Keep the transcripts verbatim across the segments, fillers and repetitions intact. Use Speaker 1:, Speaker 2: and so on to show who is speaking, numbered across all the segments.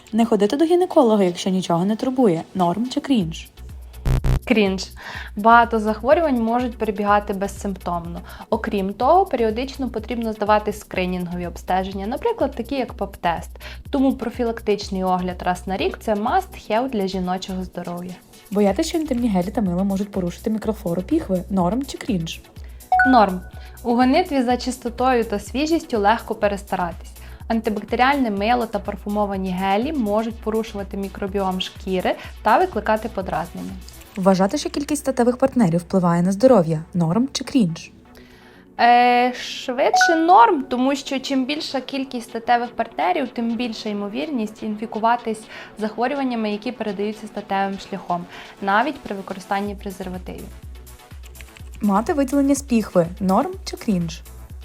Speaker 1: Не ходити до гінеколога, якщо нічого не турбує. Норм чи крінж?
Speaker 2: Крінж. Багато захворювань можуть перебігати безсимптомно. Окрім того, періодично потрібно здавати скринінгові обстеження, наприклад, такі як ПАП-тест. Тому профілактичний огляд раз на рік – це must-have для жіночого здоров'я.
Speaker 1: Боятися, що інтимні гелі та мило можуть порушити мікрофлору піхви. Норм чи крінж?
Speaker 2: Норм. У гонитві за чистотою та свіжістю легко перестаратись. Антибактеріальне мило та парфумовані гелі можуть порушувати мікробіом шкіри та викликати подразнення.
Speaker 1: Вважати, що кількість статевих партнерів впливає на здоров'я. Норм чи крінж?
Speaker 2: Е, швидше норм, тому що чим більша кількість статевих партнерів, тим більша ймовірність інфікуватись захворюваннями, які передаються статевим шляхом, навіть при використанні презервативів.
Speaker 1: Мати виділення з піхви. Норм чи крінж?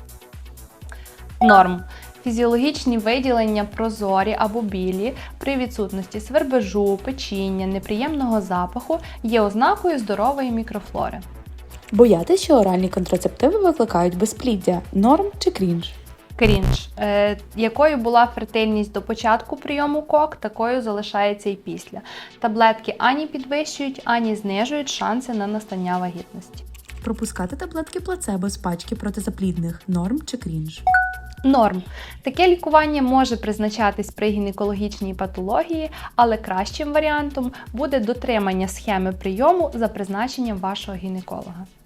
Speaker 2: Норм. Фізіологічні виділення прозорі або білі при відсутності свербежу, печіння, неприємного запаху є ознакою здорової мікрофлори.
Speaker 1: Боятися, що оральні контрацептиви викликають безпліддя. Норм чи крінж?
Speaker 2: Крінж. Е, якою була фертильність до початку прийому кок, такою залишається і після. Таблетки ані підвищують, ані знижують шанси на настання вагітності.
Speaker 1: Пропускати таблетки плацебо з пачки протизаплідних. Норм чи крінж?
Speaker 2: Норм. Таке лікування може призначатись при гінекологічній патології, але кращим варіантом буде дотримання схеми прийому за призначенням вашого гінеколога.